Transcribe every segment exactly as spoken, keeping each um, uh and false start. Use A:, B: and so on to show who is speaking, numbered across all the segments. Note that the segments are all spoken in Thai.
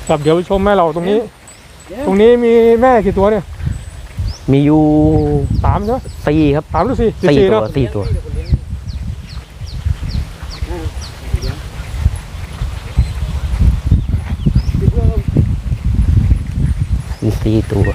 A: ครับเดี๋ยวไปชมแม่เราตรงนี้ตรงนี้มีแม่กี่ตัวเนี่ย
B: มีอยู่
A: สามใช่ไหม
B: สี่ครับ
A: สามหรือสี่
B: สี่ตัวสี่ตัวมีสี่ตัว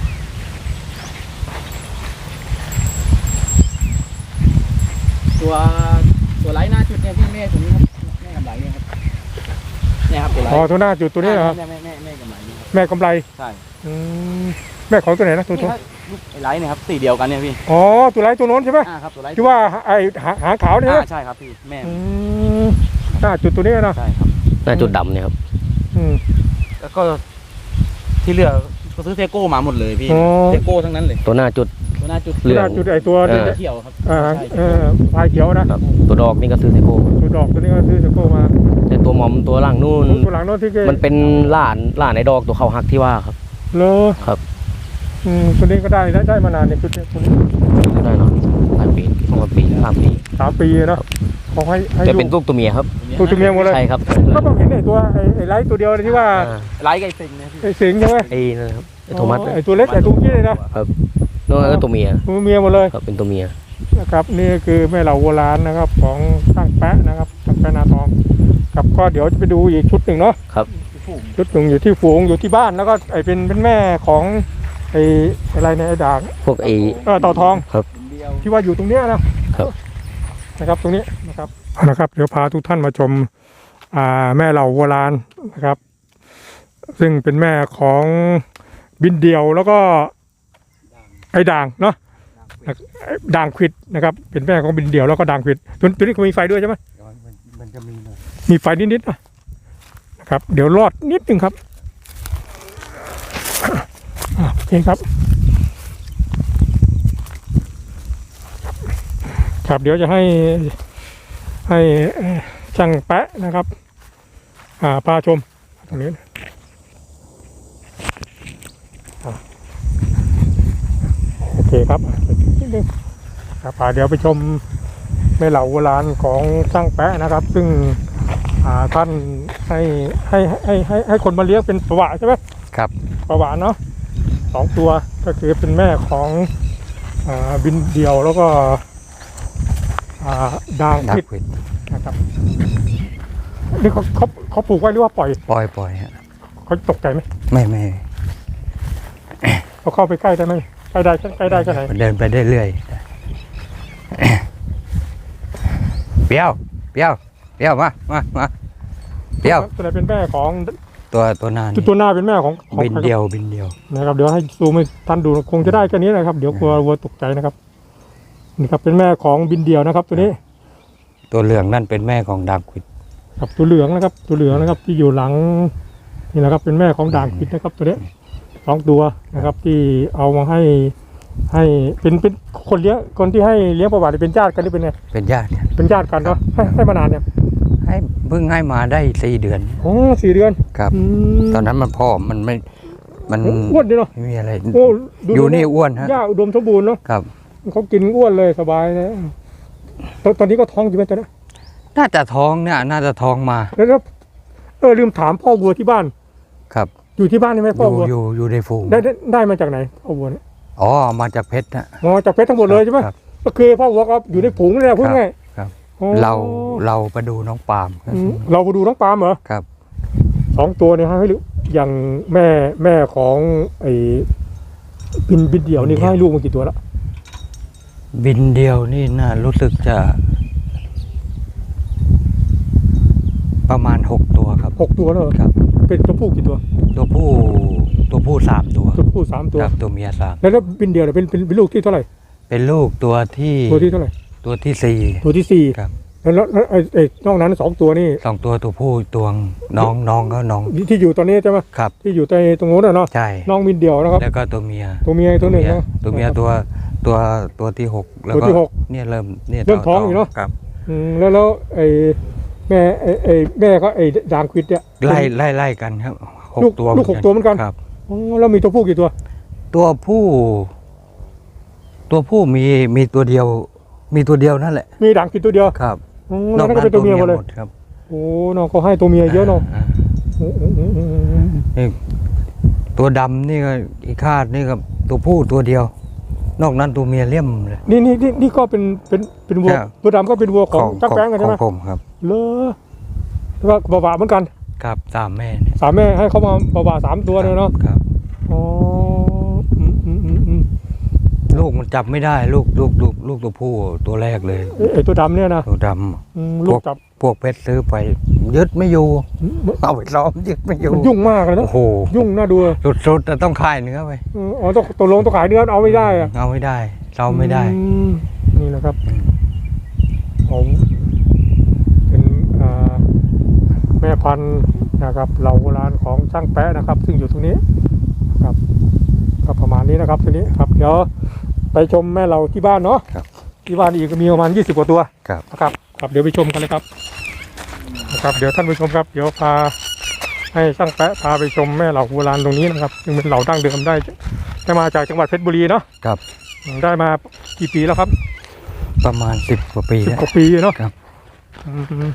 C: ตัวตัวไร้หน้าจุดเนี่ยพี่แม่ตัวนี้ครับแม่กำไรเนี่ยครับเนี่ยครับตัวไร้
A: อ๋อตัวหน้าจุดตัวนี้เหรอ
C: แม่แม่แม่แม่กำไรเนี่ยครับ
A: แม่กำไร
C: ใช่
A: แม่ของตัวไหนนะตัวตัว
C: ลูกไอ้ไร้เนี่ยครับสีเดียวกันเนี่ยพี่
A: อ๋อตัวไรตัวโน้นใช่ไหม
C: อ่าครับตัวไร้
A: ที่ว่าไอหางขาวเนี่ย
C: อ่าใช่ครับพี่แม่
A: หน้าจุดตัวนี้นะ
C: ใช่ครับ
B: หน้าจุดดำเนี่ยครับ
C: แล้วก็ที่เหลือก็ซื้อเทโก้มาหมดเลยพี่เทโก้ทั้งนั้นเลย
B: ตัวหน้าจุด
C: ตัวหน้าจุด
A: เหลืองจุดไอตัว
C: เขียวครับ
A: อ่าเออพายเขียวนะ
B: ตัวดอกนี่ก็ซื้อเทโก้
A: ตัวดอกตัวนี้ก็ซื้อเทโก้มา
B: แต่ตัวมอมตัวหลังนู่น
A: ตัวหลังนู่นที่
B: มันเป็นหลานหลานในดอกตัวเขาหักที่ว่าครับ
A: เลอ
B: ครับ
A: อืมตัวนี้ก็ได้ได้ได้มานานเนี่ยชุดนี้ตัวนี้
B: ได้เนาะหลายปีสองปีสามปี
A: สามปีเนาะเขาให้ให้
B: จะเป็นลูกตัวเมียครับ
A: ลูกตัวเมียหมดเลย
B: ใช่ครับ
A: ก็ต้องเห็นไอ้ตัวไอ้ไอ้ไลท์ตัวเดียวที่ว่า
C: ไลท์ไก่สิงนะ
A: ไอ้สิงใช่ไหม
B: ไอ้นั่นครับไอ้โทมัส
A: ไอ้ตัวเล็กไอ้ตัวนี้เลยนะครับ
B: น้องก็ตัวเมีย
A: ตัวเมียหมดเลย
B: ครับเป็นตัวเมีย
A: นะครับนี่คือแม่เหล่าโบราณนะครับของช่างแปะนะครับช่างแปะนาทองกับก็เดี๋ยวจะไปดูอีกชุดหนึ่งเนาะ
B: ครับ
A: ชุดหนึ่งอยู่ที่ฝูงอยู่ที่บ้านแล้วก็ไอ้เป็นเป็นแม่ของไอ้อะไรเนี่ยไอ้ด่าง
B: พวกไอ้
A: เออต่อทอง
B: ครับ
A: ที่ว่าอยู่ตรงเนี้ยนะครับนะครับตรงนี้นะครับนะครับเดี๋ยวพาทุกท่านมาชมอ่าแม่เหล่าโบราณนะครับซึ่งเป็นแม่ของบินเดียวแล้วก็ไอ้ด่างเนาะด่างควิดนะครับเป็นแม่ของบินเดียวแล้วก็ด่างควิดตัวตัวนี้ก็มีไฟด้วยใช่ไหม
C: มันจะมี
A: มีไฟนิดๆนะครับเดี๋ยวรอดนิดนึงครับโอเคครับครับเดี๋ยวจะให้ให้ช่างแปะนะครับอ่าพาชมตรงนี้โอเคครับนิดนึงครับเดี๋ยวไปชมแม่เหล่าโบราณของช่างแปะนะครับซึ่งท่านให้ให้ให้ให้ให้คนมาเลี้ยงเป็นประวัติใช่ไหม
B: ครับ
A: ประวัติเนาะสองตัวก็คือเป็นแม่ของอ่าบินเดียวแล้วก็อ่าด่างควิดนะครับนี่เขาเขาเขาปลูกไว้หรือว่าปล่อย
B: ปล่อยปล่อยฮะ
A: เขาตกใจไหม
B: ไม่ไม่
A: เขาเข้าไปใกล้ได้ไหมใกล้ได้ใกล้ได้แค่ไหน
B: เดินไปได้เรื่อยเปี้ยวเปี้ยวเปี้ยวมามามาเปี้ยว
A: ตัวไหนเป็นแม่ของ
B: ตัวตัวหน้า
A: ตัวหน้าเป็นแม่ของ
B: บินเดียวบินเดียว
A: นะครับเดี๋ยวให้ซูมให้ท่านดูคงจะได้แค่นี้นะครับเดี๋ยวกลัววัวตกใจนะครับนี่ครับเป็นแม่ของบินเดียวนะครับตัวนี้
B: ตัวเหลืองนั่นเป็นแม่ของด่างควิด
A: ครับตัวเหลืองนะครับตัวเหลืองนะครับที่อยู่หลังนี่นะครับเป็นแม่ของด่างควิดนะครับตัวนี้สองตัวนะครับที่เอามาให้ให้เป็นเป็นคนเลี้ยงคนที่ให้เลี้ยงประวัติเป็นญาติกันหรือเป็นไง
B: เป็นญาติ
A: เป็นญาติกันเนาะให้ให้มานานเนี่ย
B: ให้เพิ่งให้มาได้สี่เดือน
A: อ๋อสี่เดือน
B: ครับตอนนั้นมันพ่อมันไม่มัน
A: อ้วนดีเนาะ
B: ไม่มีอะไรอยู่นี่อ้วนฮะ
A: หญ้าอุดมสมบูรณ์เนาะ
B: ครับ
A: เขากินอ้วนเลยสบายนะตอนนี้ก็ท้องอยู่ไหมตอนนี้
B: น่าจะท้องเนี่ยน่าจะท้องมา
A: แล้วเออลืมถามพ่อวัวที่บ้าน
B: ครับ
A: อยู่ที่บ้านใช่ไหมพ่อวัว
B: อยู่อยู่ในฝูง
A: ได้ได้มาจากไหนพ่อวัวเนี่ย
B: อ๋อมาจากเพชรนะ
A: อ๋อจากเพชรทั้งหมดเลยใช่ไหมก็คือพ่อวัวก็อยู่ในฝูงนี่แหละพูดง่าย
B: ครับเราเราไปดูน้องปาล์ม
A: เราไปดูน้องปาล์มเหรอ
B: ครับ
A: สองตัวเนี่ยให้อย่างแม่แม่ของไอ้บินบินเดี่ยวนี่ให้ลูกมากี่ตัวแล้ว
B: บินเดียวนี่น่ารู้สึกจะประมาณหกตัวครับ
A: หกตัวแล้ว
B: ครับ
A: เป็นตัวผู้กี่ตัว
B: ตัวผู้ตัวผู้สามตัว
A: ตัวผู้สามตัว
B: ตัวเมียสาม
A: แล้วบินเดียวเป็นเป็นเป็นลูกที่เท่าไหร่
B: เป็นลูกตัวที่
A: ตัวที่เท่าไหร่
B: ตัวที่สี่
A: ตัวที่สี่
B: ครับ
A: แล้วไอ้ไอ้นอกนั้นสองตัวนี่
B: สองตัวตัวผู้ตัวน้องน้องก็น้อง
A: ที่อยู่ตอนนี้ใช่ไหม
B: ครับ
A: ที่อยู่ในตรงโน้นเนาะ
B: ใช่
A: น้องบินเดียวนะครับ
B: แล้วก็ตัวเมีย
A: ตัวเมียตัวหนึ่งเนาะ
B: ตัวเมียตัวตัวตัวที่หกแล้วก็เนี่ยเริ่มเนี่ย
A: เริ่มท้องอยู่เนาะ
B: ครับ
A: อืมแล้วแล้วไอ้แม่ไอ้ไอ้แม่ก็ไอ้ด่างควิดเนี่ย
B: ไล่ไล่ไล่กันครับหกตัว
A: ลูกหกตัวเหมือนกัน
B: ครับ
A: อ๋อแล้วมีตัวผู้กี่ตัว
B: ตัวผู้ตัวผู้มีมีตัวเดียวมีตัวเดียวนั่นแหละ
A: มีด่างควิดตัวเดียว
B: ครับ
A: น้องก็เป็นตัวเมียหมดเลย
B: ครับ
A: โอ้น้องเขาให้ตัวเมียเยอะเนาะโอ้โอ้โอ้โอ้โอ้
B: นี่ตัวดำนี่ก็อีกคาดนี่ก็ตัวผู้ตัวเดียว นอกนั้นตัวเมียเลี่ยมเลย
A: นี่นี่นี่นี่ก็เป็นเป็นเป็นวัว
B: ครับ
A: ตัวดำก็เป็นวัวของจ้างแป้งกัน
B: ข
A: ใช่
B: อ
A: ไหม
B: งผมครับ
A: เลอแล้วก็บาวาเหมือนกัน
B: ครับสามแม่เนี่ย
A: สามแม่ให้เขามาบาวาสามตัวเลยเนาะ
B: ครับ
A: อ๋ออืมอืมอืมอืม
B: ลูกมันจับไม่ได้ลูกลูกลูกลูกตัวผู้ตัวแรกเลย
A: เอ้ยไอ้ตัวดำเนี่ยนะ
B: ตัวด
A: อืมลูกจับ
B: ำพวกเพชรซื้อไป ยึดไม่อยู่เอาไปล้อมยึดไม่อยู่
A: มันยุ่งมากเลยนะ
B: โอ้โห
A: ยุ่งน่าดู
B: สุดๆแต่ต้องคายเนื้อไป
A: อืมอ๋อต้องตกลงต้องขายเนื้อเอาไม่ได้อะ
B: เอาไม่ได้เราไม่ได้
A: อืมนี่นะครับผมเป็นอ่าแม่พันธุ์นะครับเหล่าโบราณของช่างแปะนะครับ ซึ่งอยู่ตรงนี้นะครับก็ประมาณนี้นะครับทีนี้ครับเดี๋ยวไปชมแม่เราที่บ้านเนาะ
B: ครับ
A: ที่บ้านอีกก็มีประมาณยี่สิบกว่าตัว
B: ครับ
A: นะครับครับเดี๋ยวไปชมกันเลยครับนะครับ เดี๋ยวท่านผู้ชมครับ เดี๋ยวพาให้ช่างแปะพาไปชมแม่เหล่าโบราณตรงนี้นะครับซึ่งเป็นเหล่าดั้งเดิมได้ได้มาจากจังหวัดเพชรบุรีเนาะ
B: ครับ
A: ได้มากี่ปีแล้วครับ
B: ประมาณสิบกว่าปี
A: สิบ
B: แล้ว
A: กว่าปีเนาะ
B: ครับ
A: อืม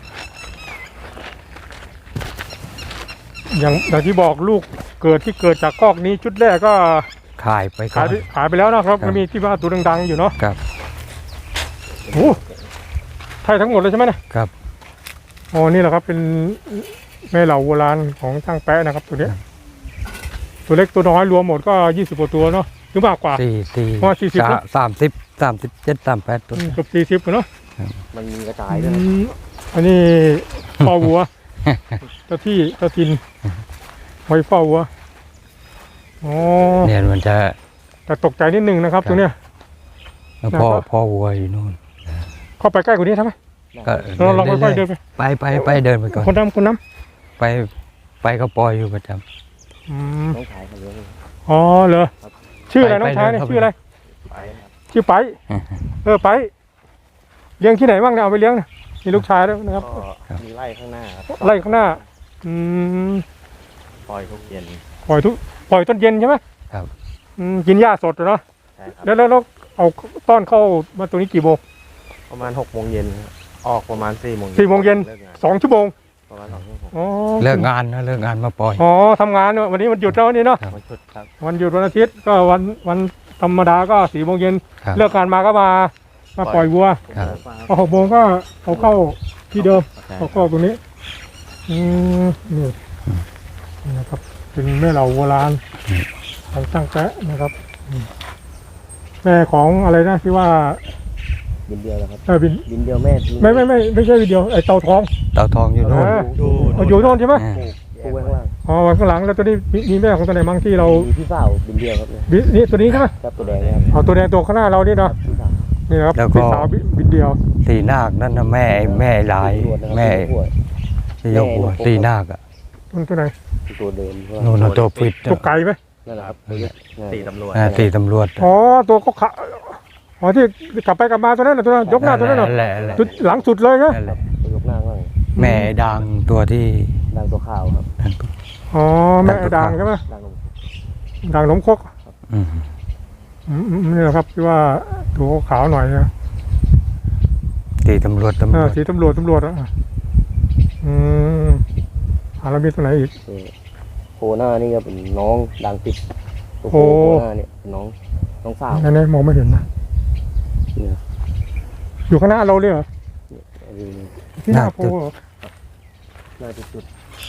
A: อย่างอย่างที่บอกลูกเกิดที่เกิดจากคอกนี้ชุดแรกก็
B: ขายไปก่
A: ขา
B: อย น
A: ไปขายไปแล้วนะครับ
B: ครับ
A: มันมีที่ว่าตัวดังๆอยู่เนาะ
B: ครับ
A: โอ้ไทยทั้งหมดเลยใช่ไหมเนี่ย
B: ครับ
A: อ๋อนี่แหละครับเป็นแม่เหล่าโบราณของช่างแปะนะครับตัวเนี้ยตัวเล็กตัวน้อยรวมหมดก็ยี่สิบกว่าตัวเนาะหรือมากกว่า
B: สี่สี่
A: ประมาณสี่สิบ
B: สา
A: นะ
B: สามสิบสามสิบเจ็ดสามแปดตัว
A: อืมเกือบสี่สิบเนาะ
C: มันมีกระจายด้วย
A: อืมอันนี้เฝ้าวัวเจ้าที่เจ้าทินไว้เฝ้าวัวอ๋อ
B: เนี่ยมันจะ
A: แต่ตกใจนิดนึงนะครับตรงเนี้ย
B: พ่อ
A: นะครับ
B: พ่อวัวอยู่นู่น
A: เข้าไปใกล้กว่านี้ทำไหม
B: ก็
A: เราลองค่อยๆเดินไป
B: ไปไปไปเดินไปก่อน
A: คนน้ำคนน้
B: ไปไปก็ปล่อยอยู่ประจ
A: ำอืม
C: ต้องขายเขาเยอะ
A: อ๋อเหรอชื่ออะไร
B: ไป
A: น้องชายเนี่ย
B: ไปเดินเข้าไป
A: ชื่ออะไร
C: ไปครับ
A: ชื่อไป
B: ำ
A: เออไปเลี้ยงที่ไหนบ้างเนี่ยเอาไปเลี้ยงเนี่ยมีลูกชายด้วยนะครับ
C: ก็มีไร่ข้างหน้าครับ
A: ไล่ข้างหน้า อืม
C: ปล่อยทุกเย็น
A: ปล่อยทุกปล่อยต้นเย็นใช่ไหม
B: ครับ
A: อืมกินหญ้าสดเหรอเนาะ
C: ใช่ครับ
A: แล้วแล้วแล้วเอาต้อนเข้ามาตรงนี้กี่โมง
C: ประมาณหกโมงเย็นครับออกประมาณสี่โมง
A: สี่โมงเย็น
C: เลิกงาน
A: สองชั่วโมง
C: ประมาณสองชั่วโมง
A: อ๋อ
B: เลิกงานนะเลิกงานมาปล่อย
A: อ๋อทำงานเนอะวันนี้มันหยุดแล้วนี่เนาะ
C: วันชุดครับ
A: วันหยุดวันอาทิตย์ก็วันวันธรรมดาก็สี่โมงเย็น
B: ครับ
A: เลิกงานมาก็มามาปล่อยวัว
B: ครับ
A: พอหกโมงก็เอาเข้าที่เดิม
C: ใช่
A: เอาเข้าตรงนี้อืมนี่นี่นะครับเป็นแม่เหล่าโบราณของช่างแปะนะครับอืมแม่ของอะไรนะที่ว่า
C: บินเดียวแล้วครับ
A: เออบิน
C: บินเดียวแม่ทิ้ง
A: ไม่ไม่ไม่ไม่ใช่วิดีโอไอเต่าทอง
B: เต่าทองอยู่นู่น
A: เออ
C: ดู
A: เอาอยู่โน่นใช่ไหม
B: อ่า
C: ปูไว้ข้างล่าง
A: อ๋อไว้ข้างหลังแล้วตัวนี้มีมีแม่ของตัวไหนบ้างที่เรา
C: มีพี่สาวบินเดียวครับเนี่ย
A: บินี่ตัวนี้ใช่ไหม
C: ครับตัวแดงเนะครับ
A: เอาตัวแดงตัวข้างหน้าเรานี่
C: ค
A: เนาะ
C: รับพี่สาว
A: นี่นะครับ
B: แล้วก็
A: พี่สาวบิบินเดียว
B: ตีนาคนั่นนะแม่แม่ลาย
C: ตำรวจนะครับ
B: แม่
C: ตำรวจ
B: ที่ยกหัว
C: แม่
B: ตีนาคอะ
A: ตัวตัวไหน
C: ตัวเดิม
B: นู่นนะตัวปิด
A: ตัวไก่ไหม
C: นั่นแหละครับตีตำรวจ
B: อ่าตีตำรวจ
A: อ๋อตัวก็ขาอ๋อที่กลับไปกลับมาตัวนั้นน่ะตัวนั้นยกหน้าตัวนั้นน่ะ
B: แหละแหละ
A: จุดหลังสุดเลยนะ
B: นั่นแหละ
C: ตัวยกหน้าข้าง
B: แม่ดังตัวที่
C: ดังตัวข่าวครับ
A: อ๋อแม่ด่างใช่ไหม
C: ดังลง
A: ด่างหนมครก
B: อืม
A: อืมอืมนี่แหละครับที่ว่าตัวขาวหน่อยนะ
B: ตีตำรวจตำร
A: เอ
B: ว
A: อ
B: จ
A: สีตำรวจตำรวจอ่ะอืมอ่าแล้วมีตัวไหนอีก
C: เออโคหน้านี่ก็เป็นน้องดังติดตัวโค
A: โอ้
C: โคหน้าเนี่ยเป็นน้องน้องสาว
A: อันนี้มองไม่เห็นนะ
C: เนี่ย
A: อยู่ข้างหน้าเราเลยเหรอ
C: อันนี้
A: ที่หน้าโพเหรอ
C: น่าจะจุด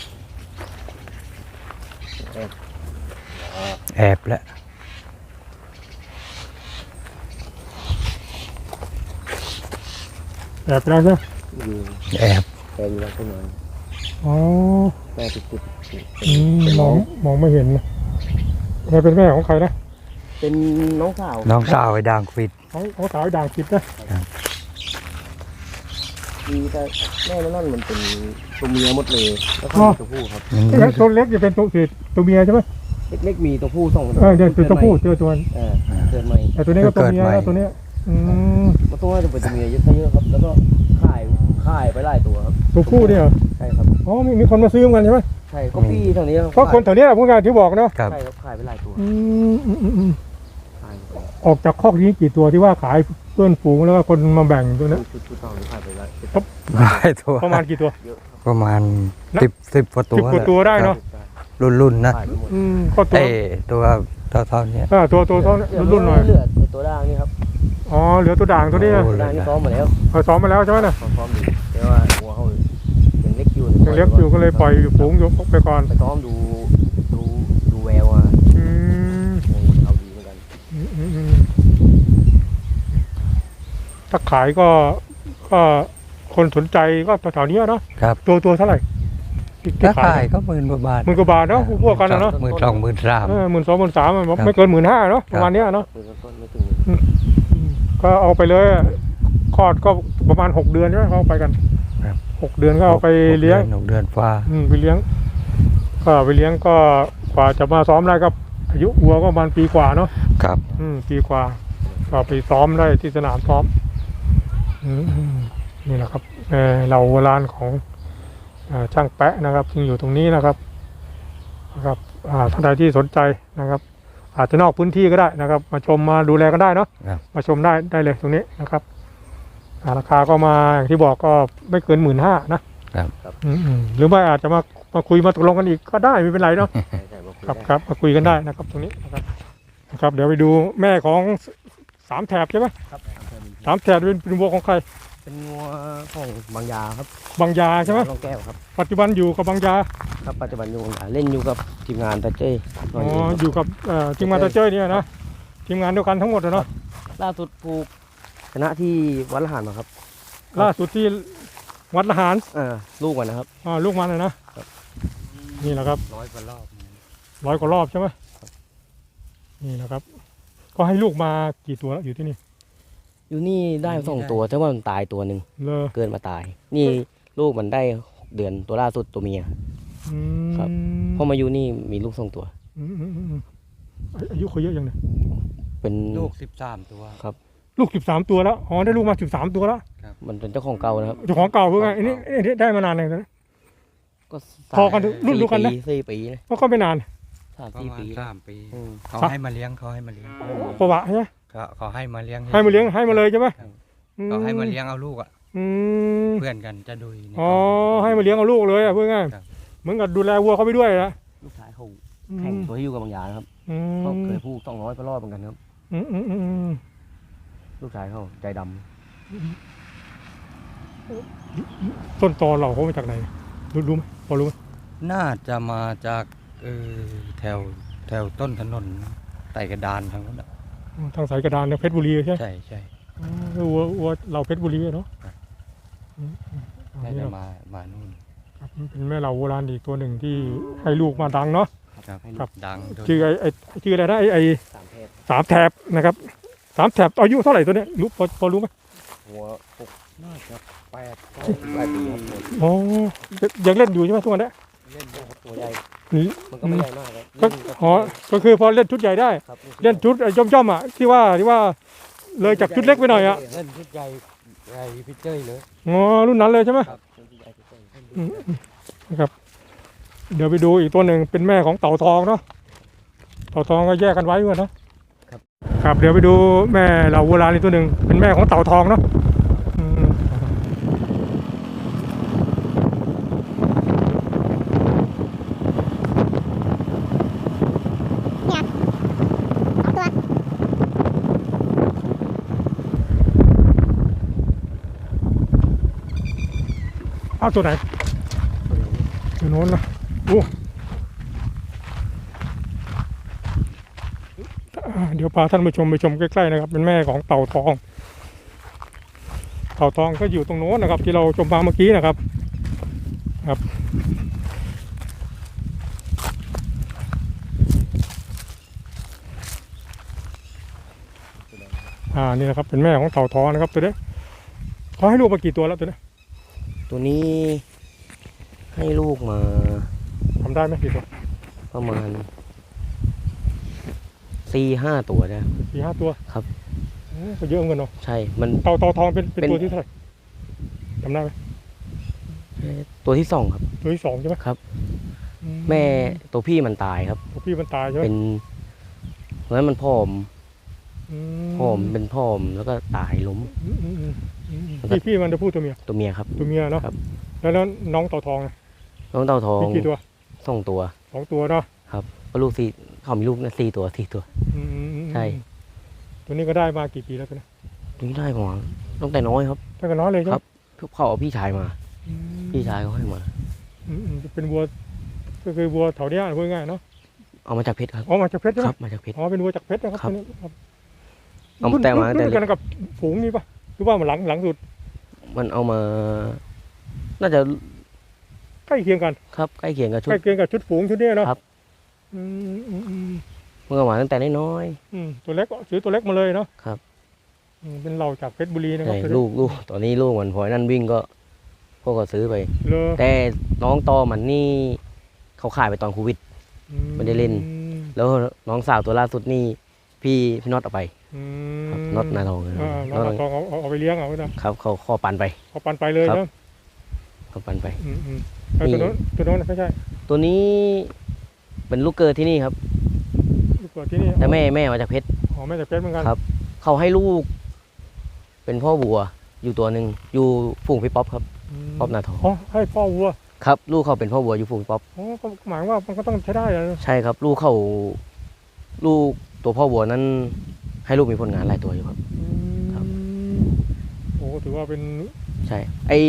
B: แอบแล้ว
A: แอบไปแล้วใช่ไหม
C: อยู่
B: แอบ
C: แกอยู่แล้วขึ้นมา
A: อ๋อ
C: น่าจะจุด
A: อืม
C: เป็น
A: ม
C: น้
A: อ
C: อง ง
A: มองไม่เห็นนะแม่เป็นแม่ของใครนะ
C: เป็นน้องสาว
B: น้องสาวไอ้ดังปิด
A: ของของสาวด่างคิดนะ
C: มีแต่แม่นั่นมันเป็นตัวเมียหมดเลยแล้วก็มีตัวผู้ครับ
B: มัน
A: แล้วตัวเล็กจะเป็นตัวสีตัวเมียใช่ไหม
C: เล็กๆมีตัวผู้สอง
A: เออเดี๋ยวเป็นตัวผู้เจอตัว
C: เออเกิดใหม่
A: แต่ตัวนี้ก็ตัวเมียแล้วตัวเนี้ยอืม
C: มันต้องน่าจะเป็นตัวเมียเยอะเยอะครับแล้วก็ข่ายข่ายไปหลายตัวครับ
A: ตัวผู้เนี่ยเหรอ
C: ใช่ครับ
A: อ๋อมีมีคนมาซื้อเหมือนกันใช่ไหม
C: ใช่ก็พี่แถวนี้รับ
A: ก็คนแถวเนี้ยพูดกันที่บอกเนาะ
B: ครับ
C: ใช่ครับขายไปหลายตัว
A: อืมอืมอืมอืม
C: ขายไป
A: ออกจากคอกนี้กี่ตัวที่ว่าขายเพื่อนฝูงแล้วก็คนมาแบ่งตัวเนี้ย
C: ชุดชุดต่อนี้ขายไปหลาย
B: หลายตัว
A: ประมาณกี่ตัว
C: เยอะครับ
B: ประมาณ
A: นะ
B: สิบสิบกว่าตั
A: สิบ
B: ว
A: กว่าตัวได้เนาะ
B: รุ่นรุ่นๆนะ
C: ตายไปหมด
A: อืมก็ตัว
B: เอ้ตัวเท่าเท่าๆเนี้ย
A: เออตัวตัวตัวรุ่นๆหน่อย
C: เหลือไอ้ตัวด่างนี่ครับ
A: อ๋อเหลือตัวด่างตัวนี้นะ
B: โอ้
C: ด่างนี่ซ้อมมาแล้ว
A: เอาซ้อมมาแล้วใช่ไหมน่ะ
C: ซ้อมดีแต่ว่าหัวเขายังเล็กอยู่
A: ยังเล็กอยู่ก็เลยปล่อยอยู่ฝูงอยู่ไปก่อน
C: ไปซ้อมดูดูดูแววอ่ะ
A: อืม
C: เอาดีเหมือนกัน
A: อืมอืมอืมถ้าขายก็ก็คนสนใจก็แถวๆนี้เนาะ
B: ครับ
A: ตัวตัวเท่าไหร่ที่ที่
B: ถ้า
A: ขา
B: ขาย ยก็หมื่นกว่าบาท
A: หมื่นกว่าบาทเนาะพวกกันนะเนาะ
B: หมื่นสองหมื่นสาม
A: เออหมื่นสองหมื่นสาม
B: ครับ
A: ไม่เกินหมื่นห้าเนาะประมาณเนี้ยเนาะ
C: มือต้นไม่ถึง
A: อืมก็เอาไปเลยคลอดก็ประมาณหกเดือนใช่ไหมเขาเอาไปกันหกเดือนก็เอาไปเลี้ยง
B: หกเดือนฟ้า
A: อืมไปเลี้ยง ก็ไปเลี้ยงก็กว่าจะมาซ้อมได้ก็อายุวัวก็ประมาณปีกว่าเนาะ
B: ครับ
A: อืมปีกว่าก็ไปซ้อมได้ที่สนามซ้อมอืมอืมนี่แหละครับเออเราโบราณของอ่าช่างแปะนะครับซึ่งอยู่ตรงนี้นะครับนะครับอ่าท่านใดที่สนใจนะครับ อาจจะนอกพื้นที่ก็ได้นะครับ มาชมมาดูแลกันได้เนาะ
B: ครับ
A: มาชมได้ได้เลยตรงนี้นะครับอ่าราคาก็มาอย่างที่บอกก็ไม่เกินหมื่นห้านะครับ อืมอืมหรือไม่อาจจะมามาคุยมาตกลงกันอีกก็ได้ไม่เป็นไรเนาะ
C: ใช่ใช่มาคุย
A: ครับ
C: ได้
A: ครับมาคุยกันได้นะครับตรงนี้นะครับนะครับ เดี๋ยวไปดูแม่ของสสามแถบใช่ไหม
C: ครับ
A: สามแถบเป็นเป็นวัวของใคร
C: เป็นงัวของบางยาครับ
A: บางยาใช่ไหม
C: ลองแก้วครับ
A: ปัจจุบันอยู่กับบางยา
C: ครับปัจจุบันอยู่บางยาเล่นอยู่กับทีมงานตาเจ้ย
A: อ๋ออยู่กับเอ่อทีมงานตาเจ้ยเนี่ยนะทีมงานเดียวกันทั้งหมดอะเนาะ
C: ล่าสุดผูกชนะที่วัดละหารมาครับ
A: ล่าสุดที่วัดละหาร
C: เออลูกมันนะครับ
A: อ่าลูกมันเลยนะครับ นี่แหละครับ
B: ร้อยกว่ารอบ
A: ร้อยกว่ารอบใช่ไหมนี่นะครับ ก็ให้ลูกมากี่ตัวแล้วอยู่ที่นี่
C: อยู่นี่ได้สองตัวแต่ว่ามันตายตัวหนึ่ง
A: เลอ
C: เกินมาตาย นี่ลูกมันได้หกเดือนตัวล่าสุดตัวเมีย
A: อืม
C: ครับ พอมาอยู่นี่มีลูกสองตัว
A: อืมอืมอืมอืมอายุเขาเยอะยังเนี่ย
C: เป็น
B: ลูกสิบสามตัว
A: ลูกสิบสามตัวแล้วอ๋อได้ลูกมาสิบสามตัวแล้ว
C: มันเป็นเจ้าของเก่านะครับ
A: เจ้าของเก่าเพื่อไงอันนี้อันนี้ได้มานานเลยนะ
C: ก็
A: พอกันรุ่นเดียวกันนะ
C: สี่ปีสี่ปีนะ
A: ก็ก็ไม่นาน
C: สาม
B: ประ
C: สี่
B: มาณ
C: ปี
B: สามปี
C: อืม
B: เขาให้มาเลี้ยงเขาให้มาเลี้ยง
A: ประวัติใช่ไหม
B: เขาเขาให้มาเลี้ยง
A: ให้มาเลี้ยงให้มาเลยใช่ไหม
B: เขาให้มาเลี้ยงเอาลูกอ่ะ
A: อืม
B: เพื่อนกันจะดุยใน
A: อ๋อให้มาเลี้ยงเอาลูกเลยอ่ะเพื่อไง
B: ครับ
A: เหมือนกับดูแลวัวเขาไปด้วยนะ
C: ลูกชายเขา
A: อื
C: แข่ง
A: ม
C: ตัวที่อยู่กับบางยานะครับ
A: อื
C: เขา
A: ม
C: เคยพูดต้องร้อยไปรอบเหมือนกันครับ
A: อืมอืมอืม
C: ลูกชายเขาใจดำ
A: ต้นตอเราเขามาจากไหนรู้รู้ไหมพอรู้ไหม
B: น่าจะมาจากเออแถวแถวต้นถนนไต่กระดานทางนั้นอะ
A: ทางสายกระดานเนี่ยเพชรบุรีใช่ไหม
B: ใช่ใช่
A: อ๋อวัววัวเราเพชรบุรีอะเนาะ
B: ครับ
A: อืมอืมอัน
B: น่า
A: นี้
B: จะ
A: ครับ
B: มามานู่น
A: เป็นแม่เราโบราณอีกตัวหนึ่งที่ให้ลูกมาดังเนาะ
B: ครับ
A: ครับ
B: ดังด้วย
A: ชื่อไอ้ไอ้ชื่ออะไรนะไอ้ไอ้
C: สามเพศ
A: สามแถบนะครับสามแถบอายุเท่าไหร่ตัวเนี้ยรู้พอพอรู้ไหม
C: หัวหกน่าจะแปดเก้าแปดปีครับ
A: อ๋อยังเล่นอยู่ใช่ไหมทุกวันเนี้ย
C: เล่นได้ครับตัวใหญ่
A: นี่
C: มันก็ไม่ใหญ่มากครับ
A: ก็
C: เล่นกับ
A: อ๋อก็คือพอเล่นชุดใหญ่ได้
C: ครับ
A: เล่นชุดย่อมย่อมๆอ่ะที่ว่าที่ว่าเลยจากชุดเล็กไปหน่อยอ่ะ
B: เล่นชุดใหญ่ใหญ่พิเจอร์เลย
A: อ๋อรุ่นนั้นเลยใช่ไหม
C: ครับเล่นที่ใหญ่ที่สุด
A: อืมนะครับ เดี๋ยวไปดูอีกตัวหนึ่งเป็นแม่ของเต่าทองเนาะเต่าทองก็แยกกันไว้ด้วยเนาะครับเดี๋ยวไปดูแม่เราโบราณอีกตัวหนึ่งเป็นแม่ของเต่าทองเนาะอืมเอาตัวไหนตัวโน้นนะโอ้อ่าเดี๋ยวพาท่านผู้ชมไปชมใกล้ๆนะครับ เป็นแม่ของเต่าทอง เต่าทองก็อยู่ตรงโน้นนะครับ ที่เราชมมาเมื่อกี้นะครับ ครับ อ่านี่นะครับเป็นแม่ของเต่าทองนะครับตัวนี้เขาให้ลูกมากี่ตัวแล้วตัวนี้
C: ตัวนี้ให้ลูกมา
A: ทำได้ไหมกี่ตัว
C: ประมาณสี่ห้าตัวได้
A: สี่ห้าตัว
C: ครับ
A: โอ้ก็เยอะเหมือนกันเนาะ
C: ใช่ มัน
A: เต่าเต่าทองเป็นเป็น
C: เป็น
A: ตัวที่เท่าไหร่จำได้ไหม
C: ตัวที่สองครับ
A: ตัวที่สองใช่ไหม
C: ครับ
A: อื
C: แม่ตัวพี่มันตายครับ
A: ตัวพี่มันตายใช่ไหม
C: เป็นเพราะฉะนั้นมันผอม
A: อื
C: ผอมเป็นผอมแล้วก็ตายล้ม
A: อืมอืมอืมอืมพี่พี่มันจะพูดตัวเมีย
C: ตัวเมียครับ
A: ตัวเมียเนาะ
C: ครับ
A: อแล้วแล้วน้องเต่าทองนะ
D: น้องเต่าทอง
A: มีกี่ตัว
D: สองตัว
A: สองตัวเนาะ
D: ก็ลูกสี่เขามีลูกนะสี่ตัวสี่ตัว
A: อืมอืมอืม
D: ใช่
A: ตัวนี้ก็ได้มากี่ปีแล้วตัวนี้
D: ตัวนี้ได้ประมาณตั้งแต่น้อยครับ
A: ตั้งแต่น้อยเลยใช่ไห
D: ค
A: ม
D: รับ เขาเอาพี่ชายมา
A: อืม
D: พี่ชายเขาให้มา
A: อืมอืมเป็นวัวก็คือวัวแถวเนี้ยพูดง่ายๆเนาะ
D: เอามาจากเพชรครับ
A: อ๋อมาจากเพชรใช่ไห
D: ค
A: ม
D: รับมาจากเพชร
A: อ๋อเป็นวัวจากเพชรนะครับ
D: ครับ
A: ตัวนี้ครับ
D: เอาแต่มาตั้งแต่
A: รุ่น
D: เล็
A: กัน
D: ก
A: กับฝูงนี่ปะหรือว่ามันหลังหลังสุด
D: มันเอามา น่าจะ
A: ใกล้เคียงกัน
D: ครับใกล้เคียงกับชุ
A: ใก
D: ด
A: ล้เคียงกับชุดฝูงชุดเนี้ยเนาะ
D: ครับ
A: อืมอืมอืม
D: เมื่อมาตั้งแต่น้อย
A: อืมตัวเล็กก็ซื้อตัวเล็กมาเลยเนาะ
D: ครับ
A: อืมเป็นเราจากเพชรบุรี
D: ๆ
A: นะครับ
D: ใช่
A: ตัวนี้
D: ลูกลูกตอนนี้ลูกมันพอนั่นวิ่งก็พวกก็ซื้อไป
A: เลอ
D: แต่น้องตอมันนี่เขาขายไปตอนโควิด ไม่ได้เล่น แล้วน้องสาวตัวล่าสุดนี่พี่พี่น็อตเอาไป
A: อืม
D: ครับน็อตนาทองนะ
A: อ่าน้อง
D: น็อต
A: นาทองเอาเอาเอาไปเลี้ยงเอาไว้นะครับ
D: เขาขอปันไป
A: เอาปันไปเลย
D: ครับ
A: เนาะ
D: เขาปันไป
A: อืมอืมแล้วตัวโน้นตัวโน้นไม่ใช่
D: ตัวนี้เป็นลูกเกิดที่นี่ครับ
A: ลูกเกิดที่นี่
D: แต่แม่แม่มาจากเพชร
A: อ๋อแม่จากเพชรเหมือนกัน
D: ครับ เขาให้ลูก เป็นพ่อวัว อยู่ตัวหนึ่งอยู่ฝูงพี่ป๊อปครับ
A: ม
D: ป๊อปนาทอง
A: อ๋อให้พ่อวัว
D: ครับ ลูกเขาเป็นพ่อวัวอยู่ฝูงป๊อป
A: อ๋อก็หมายว่ามันก็ต้องใช้ได้แล้ว
D: ใช่ครับ ลูกเขาลูกตัวพ่อวัวนั้น ให้ลูกมีผลงานหลายตัวอยู่ครับ ครับ
A: โอ้ถือว่าเป็น
D: ใช่ ไอ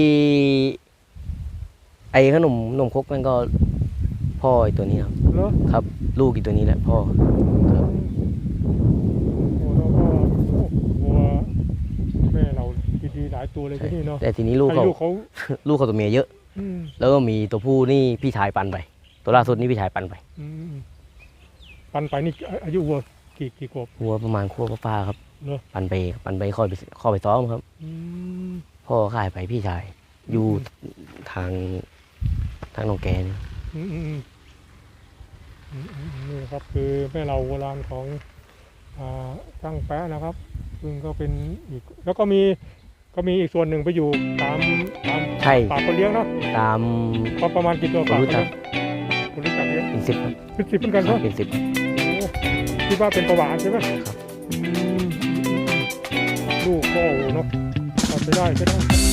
D: ไอขนมนมครกนั่นก็พ่อไอตัวนี้ครับ
A: เนาะ
D: ครับ ลูกอีกตัวนี้แหละพ่อ ครับ
A: โอ้แล้วก็โอ้วัวแม่เราดีๆหลายตัวเลย
D: ใช่
A: ที่นี่เนาะ
D: แต่ทีนี้ลูก
A: ให้
D: เขา
A: ลูกเขา
D: ลูกเขาตัวเมียเยอะ
A: อืม
D: แล้วก็มีตัวผู้นี่พี่ชายปันไป ตัวล่าสุดนี่พี่ชายปันไป
A: อืมปันไปนี่อายุวัวกี่กี่ขวบ
D: วัวประมาณขั้วป้าๆครับ
A: เหรอ
D: ปันไปปันไปคอยไปคอยไปซ้อมครับ
A: อืม
D: พ่อขายไปพี่ชาย อยู่ทางทางหนองแกน
A: อืมอืมอืมอืมอืมนี่นะครับคือแม่เราโบราณของอ่าช่างแป๊ะนะครับ ซึ่งก็เป็นอีกแล้วก็มีก็มีอีกส่วนหนึ่งไปอยู่ตามตาม
D: ใช่
A: ป่าคนเลี้ยงเนาะ
D: ตาม
A: ก็ประมาณกี่ตัว
D: ผม
A: ป่า
D: รู้จัก
A: คนรู้จักเลี้ยง
D: เป็นสิบครับ
A: เป็นสิบเหมือนกัน
D: ครั
A: เนาะ
D: บเป็นสิบ
A: โอ้คิดว่าเป็นประวัติใช่ไหม
D: ครับ
A: อืมลูกก็โอ้โหเนาะทำไปได้ใช่ไหม